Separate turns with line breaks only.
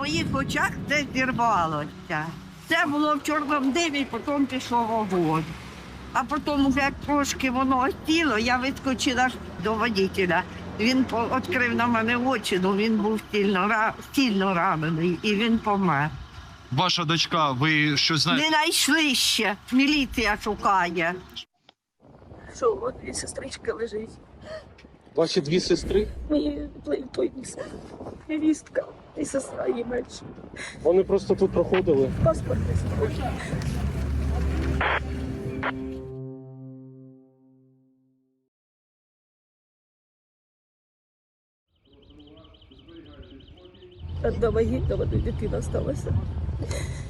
моїх очах це зірвалося. Це було в чорному димі, потім пішов вогонь. А потім, вже як трошки воно осіло, я вискочила до водителя. Він відкрив на мене очі, але він був сильно ранений і він помер.
Ваша дочка, ви щось знаєте?
Не знайшли ще, міліція шукає.
Що от і сестричка лежить.
Ваші дві сестри?
Мої той невістка і сестра її менша.
Вони просто тут проходили.
Паспорт не схожий. Одна вагітна, дитина сталася.